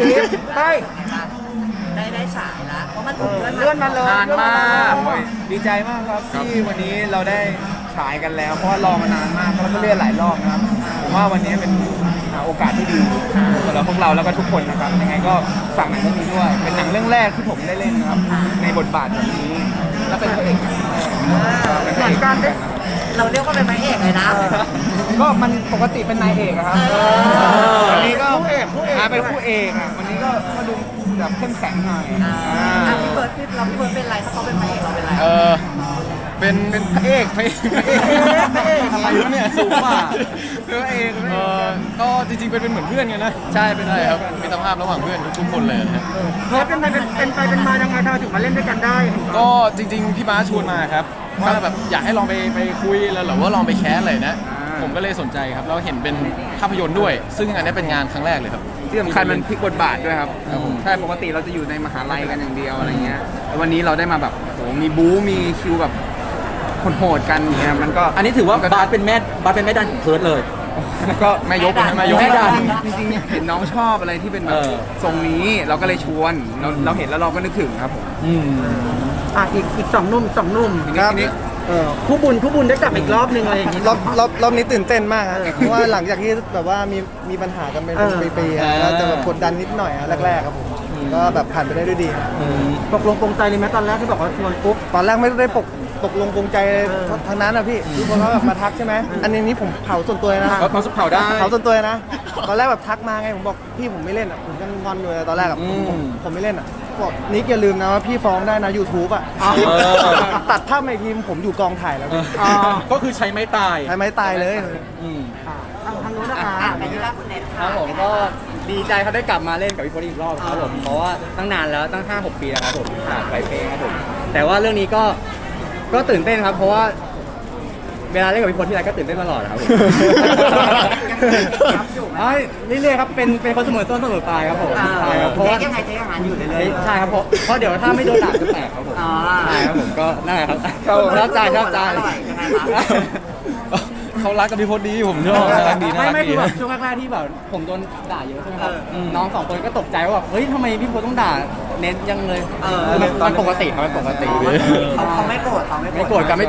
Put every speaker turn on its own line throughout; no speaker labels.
ลิฟใช่
ได้ฉายแล้วเพราะมันถูกเลื่
เลื่
อ
อน นมาเลย
นานมากดีใจมากครับที่วันนี้เราได้ฉายกันแล้วเพราะว่ารอมานานมากแล้วก็เลื่อนหลายรอบนะครับผมว่าวันนี้เป็นโอกาสที่ดีสำหรับพวกเราแล้วก็ทุกคนนะครับยังไงก็ฝากหนังเรื่องนี้ด้วยเป็นหนังเรื่องแรกที่ผมได้เล่นนะครับในบทบาทแบบนี้และเป็นพระเอก
เหมือนกันได้
เราเรียกว่าเป็นพระเอกเลยนะ
ก็มันปกติเป็นนายเอกอะครับวันนี้ก็เป็นคู่เอกอะวันนี้ก็ดูแบบเข้มแข็งหน่อย
พี่เบิร์ดเป็นไรถ้าเขาเป็นพระเอกเราเป็นไร
เป็นพระเอก
อะไรวะเนี่ยสูงกว่าพระเอก
ก็จริงๆเป็นเหมือนเพื่อนกันนะใช่เป็นอะไรครับมิตรภาพระหว่างเพื่อนทุกคนเลยนะ
เพิร์ดเป็นมายังไงเราถึงมาเล่นด้วยกันได้
ก็จริงๆพี่บ้าชวนมาครับว่าแบบอยากให้ลองไปคุยแล้วหรือว่าลองไปแคสเลยนะผมก็เลยสนใจครับเราเห็นเป็นภาพยนตร์ด้วยซึ่งอันนี้เป็นงานครั้งแรกเลยครับ
ที่สำคัญมันพลิกบทบาทด้วยครับใช่ปกติเราจะอยู่ในมหาลัยกันอย่างเดียวอะไรเงี้ยแล้ววันนี้เราได้มาแบบโหมีบู๊มีคิวแบบโหดกันอย่างเงี้ยมันก็
อันนี้ถือว่าบาสเป็นแม่ดันของเพิร์ดเลย
ก็แม่ยก
แม่ยก
จริงๆเห็นน้องชอบอะไรที่เป็นแบบทรงนี้เราก็เลยชวนเราเห็นแล้วเราก็นึกถึงครับผม
อีก2 หนุ่ม
ครับ
ผู้บุญได้กลับอีกรอบนึงอะไรอย่างงี้
รอบนี้ตื่นเต้นมากครับเพราะว่าหลังจากที่แบบว่ามีปัญหากันเป็นปีๆแล้วจะแบบกดดันนิดหน่อยแรกๆครับผมก็แบบผ่านไปได้ด้วยดี
ตกลงปรงใจเลยไหมตอนแรกที่บอกว่าชวนปุ๊บ
ตอนแรกไม่ได้ตกลงปรงใจทางนั้นนะพี่ทุกคนเขาแบบมาทักใช่ไหมอันนี้ผมเผาส่วนตัวนะ
เขาเผาได้
เผาส่วนตัวนะตอนแรกแบบทักมาไงผมบอกพี่ผมไม่เล่นอ่ะผมยังงอนอยู่เลยตอนแรกอ่ะผมไม่เล่นอ่ะบอกนิกอย่าลืมนะว่าพี่ฟ้องได้นะ YouTube อ่ะตัดภาพในทีมผมอยู่กองถ่ายแล้ว
ก็คือใช้ไม้ตาย
ใช้ไม้ตายเลย
ทางนู้นนะคะ
ไปที่ร้านคุณเน็ต
ครับผมก็ดีใจเขาได้กลับมาเล่นกับพี่โพลีอีกรอบครับผมเพราะว่าตั้งนานแล้วตั้ง 5-6 ปีแล้วครับผมผ่านไปเพลงครับผมแต่ว่าเรื่องนี้ก็ตื่นเต้นครับเพราะว่าเวลาเล่นกับพี่โพลีที่ไรก็ตื่นเต้นตลอดครับผมเรื่อยๆครับเป็นคนเสมอต้นเสมอปลายครับผมใช่ครับเพราะว่า
ยังไงใช้อาหารอยู่เลย
ใช่ครับเพราะเดี๋ยวถ้าไม่โดนด่าจะแตกครับผมใช่ครับผมก็นั่นแหละครับชอบใจ
เขารักกับพี่พจน์ดีผมชอบน่ารักดีน่ารัก
ไม่
ดี
คือแบบช่วงแรกๆที่แบบผมโดนด่าเยอะใช่ไหมครับน้อง2 คนก็ตกใจว่าแบบเฮ้ยทำไมพี่พจน์ต้องด่าเน้นยังเลยมันปกติครับมันปกติ
เขาไม่โกรธ
ไม่โกรธกัน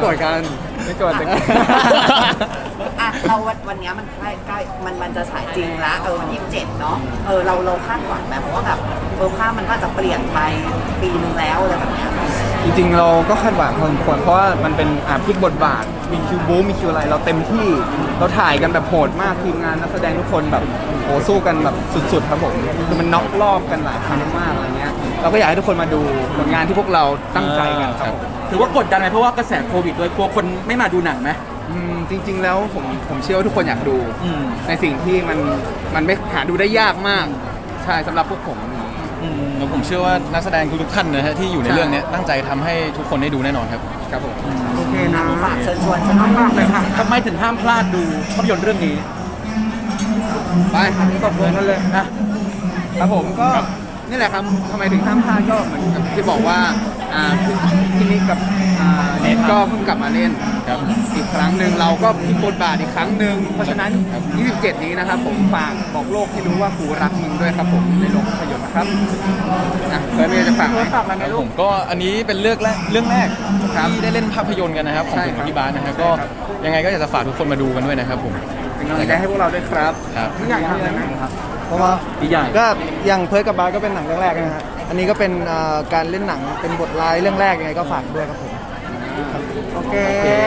เราวันนี้มันใกล้มันจะฉายจริงแล้ววันที่27เนาะเราคาดหวังแบบเพราะว่าแบบภาพมันก็จะเปลี่ยนไปปีนึงแล้วอะไรแบบนี้
จริงๆเราก็คาดหวังพอสมควรเพราะว่ามันเป็นพลิกบทบาทมีคิวบู๊มีคิวอะไรเราเต็มที่เราถ่ายกันแบบโหดมากทีมงานนักแสดงทุกคนแบบโหสู้กันแบบสุดๆครับผมคือมันน็อกรอบกันหลายครั้งมากอะไรเงี้ยเราก็อยากให้ทุกคนมาดูผลงานที่พวกเราตั้งใจกันครับ
ถือว่ากดดันไหมเพราะว่ากระแสโควิดโดยกลัวคนไม่มาดูหนังไหม
จริงๆแล้วผมเชื่อว่าทุกคนอยากดูในสิ่งที่มันไม่หาดูได้ยากมากใช่สำหรับพวกผม
แล้วผมเชื่อว่านักแสดงทุกท่านนะฮะที่อยู่ในเรื่องนี้ตั้งใจทำให้ทุกคนได้ดูแน่นอนครับ
ครับผม
โอเคนะ
ฝากเชิญชวนมาก
เลยค่ะ
ทำไมถึงห้ามพลาดดูภาพยนตร์เรื่องนี้
ไปตบมือกันเลยนะครับผมก็นี่แหละครับทำไมถึงห้ามพลาดก็เหมือนกับที่บอกว่าพี่นิกกับเน็ตก็เพิ่งกลับมาเล่นอีกครั้งหนึ่งเราก็พลิกบทบาทอีกครั้งหนึ่งเพราะฉะนั้น 27 นี้นะครับผมฝากบอกโลกให้รู้ว่ากูรักมึงด้วยครับผมในโรงภาพยนตร์นะครับเพื่อนจะฝาก
อะไรไหมลูก
ผมก็อันนี้เป็นเรื่องแรกที่ได้เล่นภาพยนตร์กันนะครับของผมกับพี่บาสนะครับก็ยังไงก็อยากจะฝากทุกคนมาดูกันด้วยนะครับผม
เป็นกำลังใจให้พวกเราด้วยครับ
พี่ใหญ่ทำอะไรไหมครับ
เพราะว่าก็อย่างเพิร์ดกับบาสก็เป็นหนังเรื่องแรกนะฮะอันนี้ก็เป็นการเล่นหนังเป็นบทร้ายเรื่องแรกยังไงก็ฝากด้วยครับผม
โอเค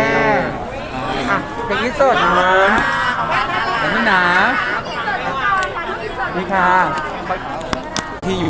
เป็นที่สุดนะ
อย่างนี้นะนี่ค่ะ